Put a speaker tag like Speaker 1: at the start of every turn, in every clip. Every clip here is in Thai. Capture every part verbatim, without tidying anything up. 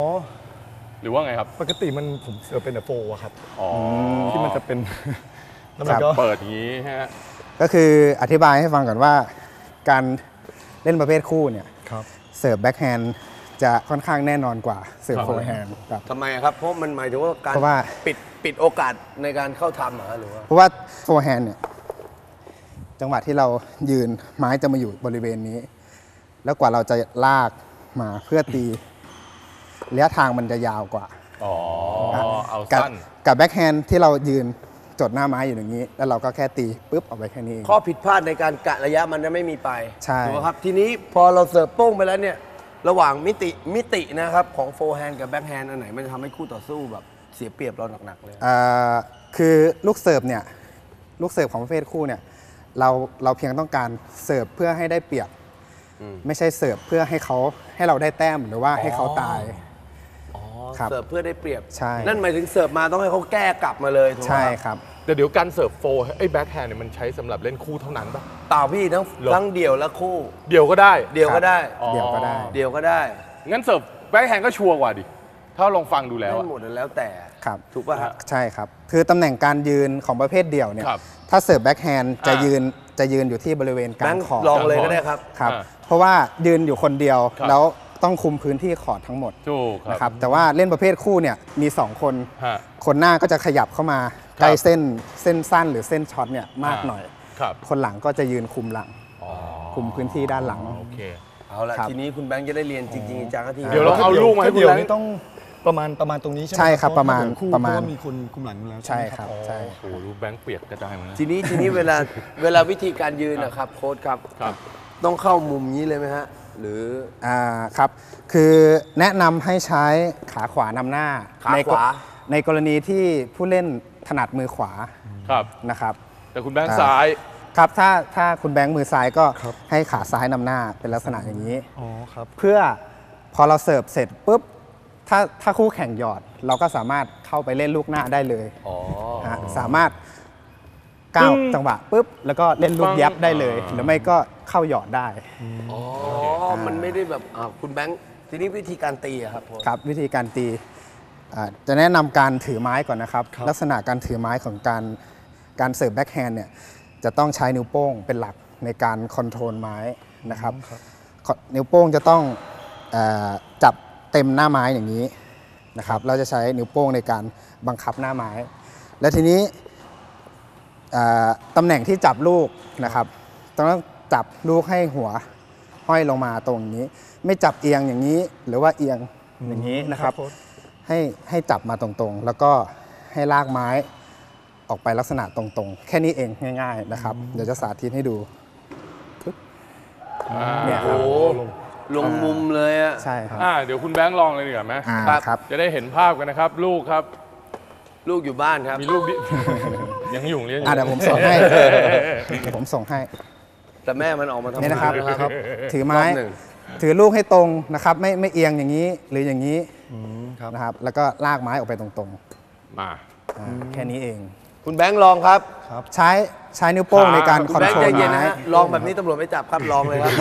Speaker 1: อ๋อ
Speaker 2: หรือว่าไงครับ
Speaker 1: ปกติมันผมเสิร์ฟเป็นแต่โฟร์ครับ
Speaker 2: อ๋อ
Speaker 1: ที่มันจะเป็น
Speaker 2: แล้วมันก็เปิดอย่างนี้ฮะ
Speaker 3: ก็คืออธิบายให้ฟังก่อนว่าการเล่นประเภทคู่เนี่ยเสิร์ฟแบ็คแฮนด์จะค่อนข้างแน่นอนกว่าเสิร์ฟโฟร์แฮนด์ครับ
Speaker 4: ทำไมครับเพราะมันหมายถึงว่าการปิดปิดโอกาสในการเข้าทำหรือว่า
Speaker 3: เพราะว่าโฟร์แฮนด์เนี่ยจังหวะที่เรายืนไม้จะมาอยู่บริเวณนี้แล้วกว่าเราจะลากมาเพื่อตีระยะทางมันจะยาวกว่า
Speaker 2: อ๋อเอาสั้น
Speaker 3: กับแบ็คแฮนด์ที่เรายืนจดหน้าไม้อยู่อย่างนี้แล้วเราก็แค่ตีปุ๊บออกไปแค่นี้
Speaker 4: ข้อผิดพลาดในการกะระยะมันจะไม่มีไป
Speaker 3: ใช่
Speaker 4: ถูกไหมครับทีนี้พอเราเสิร์ฟโป้งไปแล้วเนี่ยระหว่างมิติมิตินะครับของโฟร์แฮนด์กับแบ็คแฮนด์อันไหนมันจะทำให้คู่ต่อสู้แบบเสียเปรียบเราหนักๆเลย
Speaker 3: คือลูกเสิร์ฟเนี่ยลูกเสิร์ฟของประเภทคู่เนี่ยเราเราเพียงต้องการเสิร์ฟเพื่อให้ได้เปรียบไม่ใช่เสิร์ฟเพื่อให้เขาให้เราได้แต้มหรือว่าให้เขาตาย
Speaker 4: เสิร์ฟเพื่อได้เปรียบ
Speaker 3: ใช่
Speaker 4: นั่นหมายถึงเสิร์ฟมาต้องให้เขาแก้กลับมาเลยถูกไหม
Speaker 3: ใช่ครับ
Speaker 2: แต่เดี๋ยวการเสิร์ฟโฟร์ไอ้แบ็คแฮนด์เนี่ยมันใช้สำหรับเล่นคู่เท่านั้นป่ะ
Speaker 4: เปล่าพี่ทั้งทั้งเดี่ยวและคู่
Speaker 2: เดี่ยวก็ได้
Speaker 4: เดี่ยวก็ได้
Speaker 3: เดี่ยวก็ได้
Speaker 4: เดี่ยวก็ได้
Speaker 2: งั้นเสิร์ฟแบ็คแฮนด์ก็ชัวร์กว่าดิถ้าลองฟังดูแล้ว
Speaker 4: หมดแล้วแต่
Speaker 3: ครับ
Speaker 4: ถูกป่ะครับ
Speaker 3: ใช่ครับคือตำแหน่งการยืนของประเภทเดี่ยวเนี่ยถ้าเสิร์ฟแบ็คแฮนด์จะยืนจะยืนอยู่ที่บริเวณกลางคอร์ด
Speaker 4: ลองเลยก็ได้ครับ
Speaker 3: ครับเพราะว่ายืนอยู่คนเดียวแล้วต้องคุมพื้นที่คอร์ดทั้งหมดนะครับแต่ว่าเล่นประเภทคู่เนี่ยมีสองคนคนหน้าก็จะขยับเข้ามาใกล้เส้นเส้นสั้นหรือเส้นช็อตเนี่ยมากหน่อยคนหลังก็จะยืนคุมหลังคุมพื้นที่ด้านหลัง
Speaker 2: โอเค
Speaker 4: เอาละทีนี้คุณแบงค์จะได้เรียนจริงๆจังที
Speaker 2: เดี๋ยวเราเอาลูกมาให้คุณแบงค์
Speaker 1: ต้องประมาณประมาณตรงนี้ใช่ไหม
Speaker 3: ใช่ครับประมาณ
Speaker 1: ประมาณมีคนคุมหลังแล้ว
Speaker 3: ใช่ครับใช่
Speaker 2: โอ้โหแบงค์เปียกกระจายมา
Speaker 4: ทีนี้ทีนี้เวลาเวลาวิธีการยืนนะครับโค้ชครับต้องเข้ามุมนี้เลยไหมฮะหรือ
Speaker 3: อ่าครับคือแนะนำให้ใช้ขาขวานำหน้า
Speaker 4: ขาขวา
Speaker 3: ในกรณีที่ผู้เล่นถนัดมือขวา
Speaker 2: ครับ
Speaker 3: นะครับ
Speaker 2: แต่คุณแบงค์ซ้าย
Speaker 3: ครับถ้าถ้าคุณแบงค์มือซ้ายก็ให้ขาซ้ายนำหน้าเป็นลักษณะอย่างนี้
Speaker 1: อ๋อครับ
Speaker 3: เพื่อพอเราเสิร์ฟเสร็จปุ๊บถ้าถ้าคู่แข่งหยอดเราก็สามารถเข้าไปเล่นลูกหน้าได้เลยสามารถก้าวจังหวะปุ๊บแล้วก็เล่นลูกยับได้เลยหรือไม่ก็เข้าหยอดได้
Speaker 4: อ๋อมันไม่ได้แบบคุณแบงค์ทีนี้วิธีการตีครับ
Speaker 3: ครับวิธีการตีจะแนะนำการถือไม้ก่อนนะครับลักษณะการถือไม้ของการการเสิร์ฟแบ็คแฮนด์เนี่ยจะต้องใช้นิ้วโป้งเป็นหลักในการคอนโทรลไม้นะครับนิ้วโป้งจะต้องจับเต็มหน้าไม้อย่างนี้นะครับเราจะใช้นิ้วโป้งในการบังคับหน้าไม้และทีนี้ตำแหน่งที่จับลูกนะครับต้องจับลูกให้หัวห้อยลงมาตรงนี้ไม่จับเอียงอย่างนี้หรือว่าเอียงอย่างนี้นะครับให้ให้จับมาตรงๆแล้วก็ให้ลากไม้ออกไปลักษณะตรงๆแค่นี้เองง่ายๆนะครับเดี๋ยวจะสาธิตให้ดู
Speaker 2: เนี่ยครับ
Speaker 4: ลงมุมเลยอ่ะ
Speaker 3: ใช่ครับ
Speaker 2: เดี๋ยวคุณแบงค์ลองเลยดีกว่าไหม
Speaker 3: ครับ
Speaker 2: จะได้เห็นภาพกันนะครับลูกครับ
Speaker 4: ลูกอยู่บ้านครับ
Speaker 2: มีลูกยังอยู่เรียน
Speaker 3: เดี๋ยวผมส่งให้เดี๋ยวผมส่งให้
Speaker 4: แต่แม่มันออกมาทำ
Speaker 3: นี่นะครับถือไม้ถือลูกให้ตรงนะครับไม่ไม่เอียงอย่างนี้หรืออย่างนี้นะครับแล้วก็ลากไม้ออกไปตรง
Speaker 2: ๆมา
Speaker 3: แค่นี้เอง
Speaker 4: คุณแบงค์ลองครับ
Speaker 3: ใช้ใช้นิ้วโป้งในการคอนโทรลไม้
Speaker 4: ลองแบบนี้ตำรวจไม่จับครับลองเลยครับ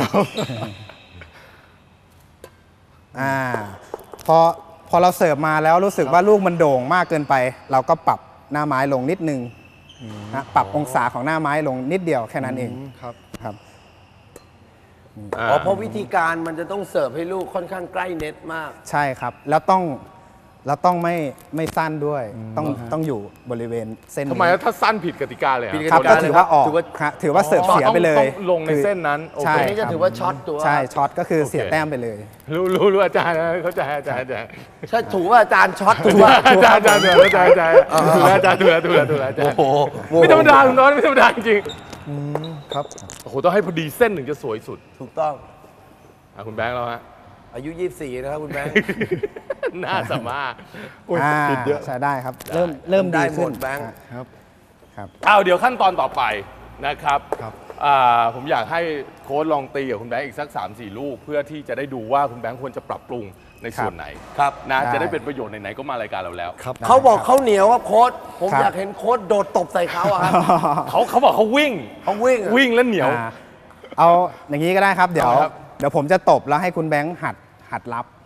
Speaker 3: อ่าพอพอเราเสิร์ฟมาแล้วรู้สึกว่าลูกมันโด่งมากเกินไปเราก็ปรับหน้าไม้ลงนิดนึงนะปรับองศาของหน้าไม้ลงนิดเดียวแค่นั้นเอง
Speaker 1: ครับ
Speaker 3: ครับ
Speaker 4: อ๋อเพราะวิธีการมันจะต้องเสิร์ฟให้ลูกค่อนข้างใกล้เน็ตมาก
Speaker 3: ใช่ครับแล้วต้องแล้วต้องไม่ไม่สั้นด้วยต้องต้องอยู่บริเวณเส้น
Speaker 2: ทำไมถ้าสั้นผิดกติกาเลย
Speaker 3: ครับก็ถือว่าออกถือว่าเสิร์ฟเสียไปเลย
Speaker 2: ต้องลงในเส้นนั้น
Speaker 3: ใช่
Speaker 4: นี่จะถือว่าช็อตตัว
Speaker 3: ใช่ช็อตก็คือเสียแต้มไปเลย
Speaker 2: รู้รู้รู้อาจารย์เข้าใจอาจารย์อาจารย์
Speaker 4: ใช่ถูกว่าอาจารย์ช็อตถูกว่า
Speaker 2: อาจารย์อาจารย์ถูกอาจารย์อาจารย์ถูกอาจารย์ถูกถูกถูกอาจารย์โอ้โหไม่ธรรมดาคุณน้อยไม่ธรรมดาจริง
Speaker 1: ครับ
Speaker 2: โอ้โหต้องให้พอดีเส้นถึงจะสวยสุด
Speaker 4: ถูกต้อง
Speaker 2: คุณแบงค์เราฮะ
Speaker 4: อายุยี่สิบสี่นะครับคุณแบงค์
Speaker 2: น่าสามารถ
Speaker 3: ติดเยอะใช้ได้ครับเริ่มเริ่มดีขึ้น
Speaker 4: แบงค์
Speaker 1: ครับ
Speaker 2: ครับเอาเดี๋ยวขั้นตอนต่อไปนะครับผมอยากให้โค้ชลองตีกับคุณแบงค์อีกสัก สามสี่ ลูกเพื่อที่จะได้ดูว่าคุณแบงค์ควรจะปรับปรุงในส่วนไหน
Speaker 4: ครับ
Speaker 2: นะจะได้เป็นประโยชน์ไหนๆก็มารายการเราแล้ว
Speaker 4: เขาบอกเขาเหนียวครับโค้ชผมอยากเห็นโค้ชโดดตบใส่เขาอะครับ
Speaker 2: เขาเขาบอกเขาวิ่ง
Speaker 4: เขาวิ่ง
Speaker 2: วิ่งแล้วเหนียว
Speaker 3: เอาอย่างนี้ก็ได้ครับเดี๋ยวเดี๋ยวผมจะตบแล้วให้คุณแบงค์หัดหัดรับ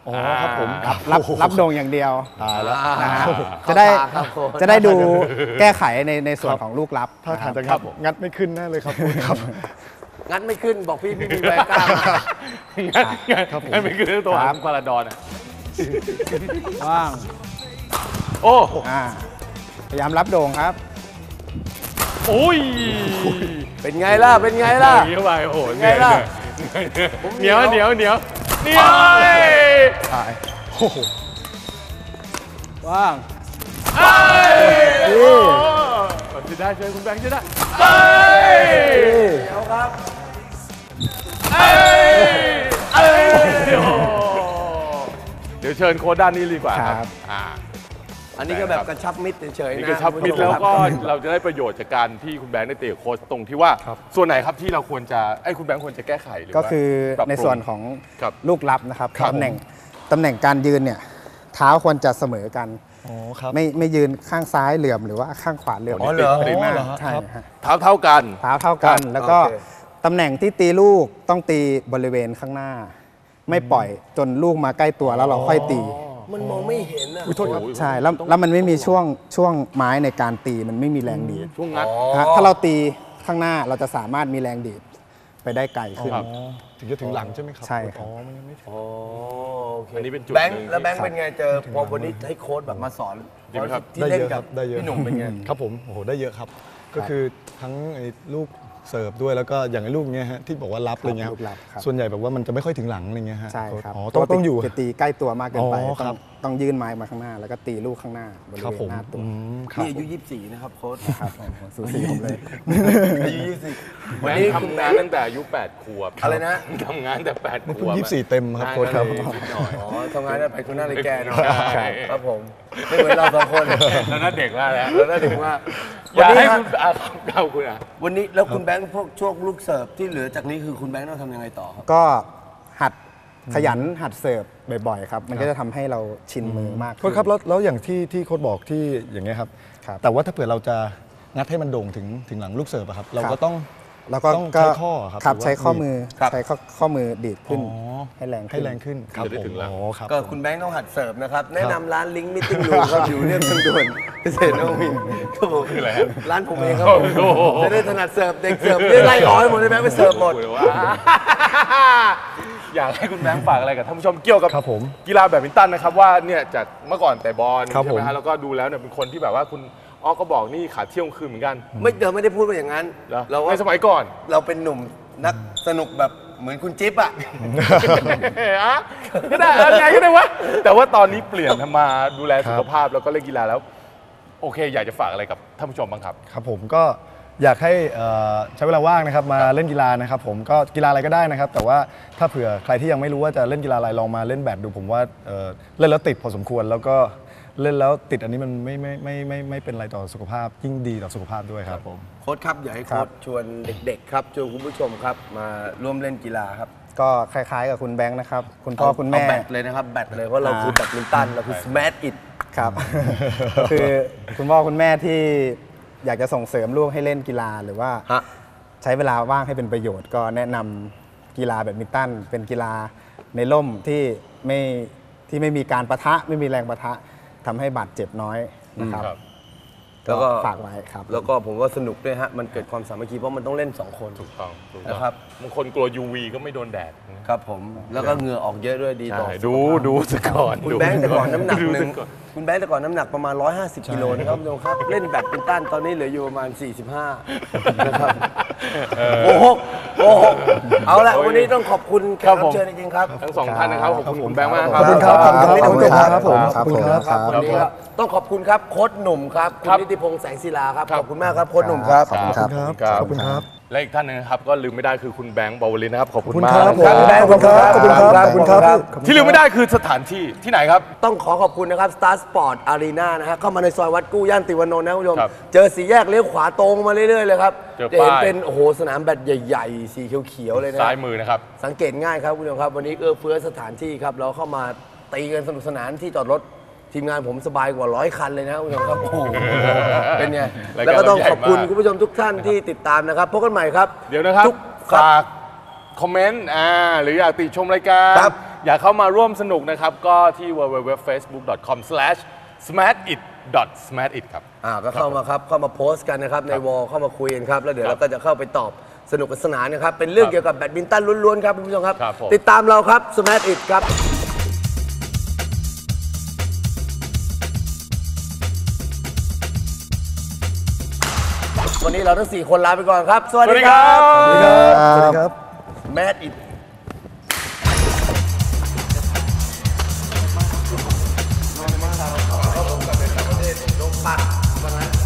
Speaker 1: อ๋อครับผม
Speaker 3: รับรับรับโด่งอย่างเดียว
Speaker 1: ตายแล้ว
Speaker 3: นะฮะ
Speaker 4: เข้า
Speaker 3: จะได้
Speaker 4: ตาครับโค้ช
Speaker 3: จะได้ดูแก้ไขในในส่วนของลูกรับ
Speaker 1: ถ้าทางจะ
Speaker 3: นะค
Speaker 1: งั
Speaker 3: รั
Speaker 1: ดงัดไม่ขึ้นแน่เลยครับครับ
Speaker 4: งั้นไม่ขึ้นบอกพี่พี่มีแวร์กล้ามา
Speaker 2: งั้นงั้น
Speaker 1: ครับผม
Speaker 2: งั้นไม่คือตัว
Speaker 3: ครับ
Speaker 2: พาราดอนอ่ะ
Speaker 3: ว่าง
Speaker 2: โอ้
Speaker 3: อ่าพยายามรับโด่งครับ
Speaker 2: โอ้ย
Speaker 4: เป็นไงล่ะ เป็นไงล่ะ
Speaker 2: อย่างนี้เข้าไปโอ้โหเหนื่อย
Speaker 4: ไงล่ะ
Speaker 2: เหนียวเหนียวเหนียวเหนียว
Speaker 1: ตายโอ้โห
Speaker 3: ว่าง
Speaker 2: เอ้ยโอ้จะได้ช่วยคุณแบงค์จะได้เอ้ย
Speaker 4: เดี๋ยวครับ
Speaker 2: เอ้ยเอ้ยโอ้เดี๋ยวเชิญโค้ชด้านนี้ดีกว่าครับอ่า
Speaker 4: อันนี้ก็แบบกระชับมิตรเฉยๆ
Speaker 2: นี่
Speaker 4: นะ
Speaker 2: ก็ชับมิด
Speaker 4: คุณผู้ช
Speaker 2: แล้ว
Speaker 4: ครับ
Speaker 2: ก็เราจะได้ประโยชน์จากการที่คุณแบงค์ได้เตะโค้ชตรงที่ว่า ส่วนไหนครับที่เราควรจะไอ้ยคุณแบงค์ควรจะแก้ไขหรือ
Speaker 3: ก็
Speaker 2: ว่า
Speaker 3: คือ
Speaker 2: ปรับปรุง
Speaker 3: ในส่วนของ
Speaker 2: ครับ
Speaker 3: ลูกรับนะครับ
Speaker 1: ครับ
Speaker 3: ตำแหน่งตำแหน่งการยืนเนี่ยเท้าควรจะเสมอกัน
Speaker 1: อ๋อครับ
Speaker 3: ไม่ไม่ยืนข้างซ้ายเหลื่อมหรือว่าข้างขวาเหลื่อม
Speaker 2: อ๋อเหรอ
Speaker 3: ติดมาก
Speaker 1: เหรอฮะ
Speaker 3: ใช่
Speaker 1: ครับ
Speaker 3: ฮะ
Speaker 2: เท้าเท่ากัน
Speaker 3: เท้าเท่ากัน
Speaker 2: ครับ
Speaker 3: แล้วก็
Speaker 4: โอเค
Speaker 3: ตำแหน่งที่ตีลูกต้องตีบริเวณข้างหน้า ไม่ปล่อยจนลูกมาใกล้ตัวแล้วเราค่อยตี
Speaker 4: มันมองไม่เห็นอ่ะ
Speaker 1: อุ๊ยโทษครับ
Speaker 3: ใช่แล้วแล้วมันไม่มีช่วงช่วงไม้ในการตีมันไม่มีแรงดีด
Speaker 2: ช่วงงัด
Speaker 3: ฮะถ้าเราตีข้างหน้าเราจะสามารถมีแรงดีดไปได้ไกลขึ้น
Speaker 2: ครับ
Speaker 1: อ๋อถึงจะถึงหลังใช่ไหมครับ
Speaker 3: ใช่ครับ
Speaker 1: อ๋อมันยังไม่ถึง
Speaker 4: อ๋อโอเค
Speaker 2: อันนี้เป็นจุด
Speaker 4: แบงค์
Speaker 2: หนึ่ง
Speaker 4: แล้วแบงค์เป็นไงเจอพอวันนี้ให้โค้ชแบบมาสอน
Speaker 2: ดีไหมครับ
Speaker 4: ที่
Speaker 1: ได้
Speaker 4: เล่น
Speaker 1: เยอะค
Speaker 4: กั
Speaker 1: รั
Speaker 4: บบ
Speaker 1: ได้เยอะ
Speaker 4: พี่หนุ่มเป็นไง
Speaker 1: ครับผมโอ้โหได้เยอะครับ ก็คือทั้งไอ้ลูกเสิร์ฟด้วยแล้วก็อย่างไอ้ลูกเนี้ยฮะที่บอกว่ารับอะไรเงี้ย
Speaker 3: ลูกรับครับ
Speaker 1: ส่วนใหญ่แบบว่ามันจะไม่ค่อยถึงหลังอะไรเงี้ยฮะ
Speaker 3: ใช่ครับ
Speaker 1: อ๋อต้องต้องอยู่
Speaker 3: จะตีใกล้ตัวมากเกินไป
Speaker 1: อ๋อ
Speaker 3: ต้
Speaker 1: ครั
Speaker 3: อง
Speaker 1: บ
Speaker 3: ต้องยื่นไม้มาข้างหน้า แล้วก็ตีลูกข้างหน้าบริ
Speaker 1: ครับ
Speaker 3: เว
Speaker 1: ผ
Speaker 3: ณ
Speaker 1: ม
Speaker 3: หน้าตัว
Speaker 1: อืมครับ
Speaker 4: นี่อายุยี่สิบสี่นะครับโค้ช
Speaker 3: ครับสูสีผมเลย
Speaker 4: อายุยี่สิบสี่
Speaker 2: แบ
Speaker 4: วัน
Speaker 2: ง
Speaker 4: นี้
Speaker 2: ค์
Speaker 4: คุณ
Speaker 2: ทำ
Speaker 4: แบ
Speaker 2: งาง น
Speaker 4: ค์
Speaker 2: ตั้งแต่อายุแปดขวบ
Speaker 4: อะไรนะ
Speaker 2: ทำงานแต่แปดข
Speaker 1: เพิ่ง
Speaker 2: วบ
Speaker 1: ยี่สิบสี่เต็มครับโค้ชครับ
Speaker 2: นิดหน่อย
Speaker 4: อ๋อทำงานได้ไปคุณหน้าเลยแกเนาะ
Speaker 2: ใช่
Speaker 4: ครับผมไม่เหมือนเราสองคน
Speaker 2: แล้วน่าเด็กมากแล้ว
Speaker 4: แล้วน่าถึงว่า
Speaker 2: อยากให้
Speaker 4: วันนี้
Speaker 2: คุณอ่ะเราคุณอ่ะ
Speaker 4: วันนี้แล้วคุณแบงค์พวกช่วงลูกเสิร์ฟที่เหลือจากนี้คือคุณแบงค์ต้องทำยังไงต่อครับ
Speaker 3: ก็หัดขยันหัดเสิร์ฟบ่อยๆครับ มันก็จะทำให้เราชินมือมาก
Speaker 1: โค้ชครับแล้วแล้วอย่างที่ที่โค้ชบอกที่อย่างเงี้ยครับ
Speaker 3: ครับ
Speaker 1: แต่ว่าถ้าเผื่อเราจะงัดให้มันโด่งถึงถึงหลังลูกเสิร์ฟอะครับเราก็ต้อง
Speaker 3: แล้วก็
Speaker 1: ต้องใช้ข้อครับ
Speaker 3: ครับ
Speaker 1: หรือว่า
Speaker 3: ใช้ข้อมือ
Speaker 4: ครับ
Speaker 3: ใช้ข้อข้อมือดีดขึ้น
Speaker 1: อ๋อ
Speaker 3: ให้แรงขึ้น
Speaker 1: ให้แรงขึ้นครับ
Speaker 2: จะได้
Speaker 1: ผม
Speaker 2: ถึงหลัง
Speaker 1: อ๋อครับ
Speaker 4: ก็คุณแบงค์ต้องหัดเสิร์ฟนะครับ แนะนำร้านลิงก์มิทติ้งรูครับ อยู่เรียบทางด่วนเกษตรนวมินทร์ครับผม
Speaker 2: คืออะไรฮะ
Speaker 4: ร้านผมเองครับผม
Speaker 2: โอ้โห
Speaker 4: จะได้ถนัดเสิร์ฟเด็กเสิร์ฟได้ไล่ออกให้หมดเลยแบงค์ไปเสิร์ฟหมด
Speaker 2: คุยว่า อยากให้คุณแบงค์ฝากอะไรกับท่านผู้ชมเกี่ยวกับ
Speaker 1: ครับผม
Speaker 2: กีฬาแบดมินตันนะครับว่าเนี่ยจากเมื่อก่อนแต่บอล
Speaker 1: ครับ
Speaker 2: ใช่ไหม
Speaker 1: ผม
Speaker 2: ฮะแล้วก็ดูแล้วเนี่ยเป็นคนที่แบบว่าคุณอ้อก็บอกนี่ขาเที่ยวคืนเหมือนกัน
Speaker 4: ไม่เดิมไม่ได้พูดว่าอย่างนั้น
Speaker 2: เหรอ
Speaker 4: เราว่า
Speaker 2: ในสมัยก่อน
Speaker 4: เราเป็นหนุ่มนักสนุกแบบเหมือนคุณจิ๊บอะ
Speaker 2: อ่ะก็ได้เอาไงก็ได้วะแต่ว่าตอนนี้เปลี่ยนมาดูแลสุขภาพแล้วก็เล่นกีฬาแล้ว โอเค อยากจะฝากอะไรกับท่านผู้ชมบ้างครับ
Speaker 1: ครับผมก็อยากให้เอ่อใช้เวลาว่างนะครับมาเล่นกีฬานะครับผมก็กีฬาอะไรก็ได้นะครับ แต่ว่าถ้าเผื่อใครที่ยังไม่รู้ว่าจะเล่นกีฬาอะไรลองมาเล่นแบดดูผมว่าเอ่อเล่นแล้วติดพอสมควร แล้วก็เล่นแล้วติดอันนี้มันไม่ไม่ไม่ไม่ไม่เป็นอะไรต่อสุขภาพยิ่งดีต่อสุขภาพด้วยครับผม
Speaker 4: โค้ชครับอยากให้
Speaker 3: ครั
Speaker 4: โค้
Speaker 3: บ
Speaker 4: ชชวนเด็กๆครับชวนคุณผู้ชมครับมาร่วมเล่นกีฬาครับ
Speaker 3: ก็คล้ายๆกับคุณแบงค์นะครับ คุณพ่อคุณแม่
Speaker 4: เอาแบตเลยนะครับแบตเลยเพราะเราคือแบตมินตันเราคือ smash it
Speaker 3: ครับ ก็คือคุณพ่อคุณแม่ที่อยากจะส่งเสริมลูกให้เล่นกีฬาหรือว่า
Speaker 4: ฮะ
Speaker 3: ใช้เวลาว่างให้เป็นประโยชน์ ก็แนะนำกีฬาแบดมินตันเป็นกีฬาในร่มที่ไม่ที่ไม่มีการปะทะไม่มีแรงปะทะทำให้บาดเจ็บน้อยนะครับ
Speaker 2: ครับ
Speaker 4: แล้วก็
Speaker 3: ฝากไว้ครับ
Speaker 4: แล้วก็ผมว่าสนุกด้วยฮะ มันเกิดความสามัคคีเพราะมันต้องเล่น สอง คน
Speaker 2: ถูกต้องถูกต้อง
Speaker 4: นะครับ
Speaker 2: บางคนกลัว ยู วี ก็ไม่โดนแดดนะครับ
Speaker 4: ผม แล้วก็เหงื่อออกเยอะด้วยดีต่อ
Speaker 2: ใช่
Speaker 4: สุ
Speaker 2: ดู
Speaker 4: ขภาพ
Speaker 2: ดูสก่อน
Speaker 4: คุณแบงค์แต่ก่อนน้ำหนัก
Speaker 2: ดู
Speaker 4: หนึ่ง
Speaker 2: ซะก่อ
Speaker 4: คุณแบงค์แต่ก่อนน้ำหนักประมาณ หนึ่งร้อยห้าสิบ กิโลนะครับคุณผู้ชมครับ เล่นแบดมินตันตอนนี้เหลืออยู่ประมาณ สี่สิบห้า นะครับโอ้โหโอ้โหเอาละวันนี้ต้องขอบคุณแขกรับเชิญจริงๆครับ
Speaker 2: ทั้งสองท่านนะครับ ขอบคุณคุณแบงค์มาก
Speaker 1: ขอบคุณครับขอบคุณครับ
Speaker 3: ขอบคุณครับ
Speaker 1: ผม
Speaker 3: ครับ
Speaker 1: ขอบคุณครับ
Speaker 3: ครับ
Speaker 4: วันนี้ก็ต้องขอบคุณครับโค้ชหนุ่มครับคุณนิติพงษ์แสงศิลาครับ
Speaker 2: ครับ
Speaker 4: ขอบคุณมากครับโค้ชหนุ่มครับ
Speaker 3: ขอบคุณครับ
Speaker 1: ขอบคุณครับ
Speaker 2: และอีกท่านหนึงนะครับ ก็ลืมไม่ได้คือคุณแบงค์บาวลินนะครับ ขอบ
Speaker 1: ขอบ
Speaker 2: คุณ
Speaker 1: คุณ
Speaker 2: มา
Speaker 1: ค
Speaker 2: ก
Speaker 1: รับผม
Speaker 4: แบงค์
Speaker 1: ขอบคุณครับขอบคุณครับ
Speaker 4: ครับ
Speaker 1: ขอบคุณครับ
Speaker 2: ที่ลืมไม่ได้คือสถานที่ที่ไหนครับ
Speaker 4: ต้องขอขอบคุณนะครับ Star Sport Arena นะฮะเข้ามาในซอยวัดกู้ย่านติวานนท์นะคุณผู้ชม
Speaker 2: ครับ
Speaker 4: เจอสีแยกเลี้ยวขวาตรงมาเรื่อยๆเลยครับ
Speaker 2: เจอ
Speaker 4: จะเห็น
Speaker 2: ป้าย
Speaker 4: เป็นโอ้โหสนามแบดใหญ่ๆ สีเขียวๆเลยนะ
Speaker 2: ซ้ายมือนะครับ
Speaker 4: สังเกตง่ายครับคุณผู้ชมครับ วันนี้เอื้อเฟื้อสถานที่ครับ เราเข้ามาตีกันสนุกสนานที่จอดรถทีมงานผมสบายกว่าร้อยคันเลยนะคุณผู้ชมครับโอ้โหเป็นไง
Speaker 2: รายการ
Speaker 4: แล้วก็ต้องขอบคุณ
Speaker 2: เราใหญ่มาก
Speaker 4: คุณผู้ชมทุกท่านที่ติดตามนะครับพบกันใหม่ครับ
Speaker 2: เดี๋ยวนะครับ
Speaker 4: ทุกครับ
Speaker 2: ฝากคอมเมนต์อ่าหรืออยากติชมรายการ
Speaker 4: ครับ
Speaker 2: อยากเข้ามาร่วมสนุกนะครับ ก็ที่ ดับเบิลยู ดับเบิลยู ดับเบิลยู ดอท เฟซบุ๊ก ดอท คอม สแลช สมาร์ทอิท ดอท สมาร์ทอิท ครับ
Speaker 4: อ่าก็เข้ามาครับ เข้ามาโพสต์กันนะครับ ในวอลเข้ามาคุยกันครับ แล้วเดี๋ยว
Speaker 2: ครั
Speaker 4: เรา
Speaker 2: บ
Speaker 4: ก็จะเข้าไปตอบสนุกสนานนะครับ เป็นเรื่อง
Speaker 2: ครับ
Speaker 4: เกี่ยวกับแบดมินตันล้วนๆครับคุณผู้ชมครับ
Speaker 2: ครับผม
Speaker 4: ติดตามเราครับ Smash It ครับ วันนี้เราทั้งสี่คนลาไปก่อนครับ สวัส
Speaker 2: สวัส
Speaker 4: ดี
Speaker 2: ดี
Speaker 4: ค
Speaker 2: ค
Speaker 4: รั
Speaker 2: รับ บ
Speaker 1: สวัสดีครับ
Speaker 4: Smash It ลงปัด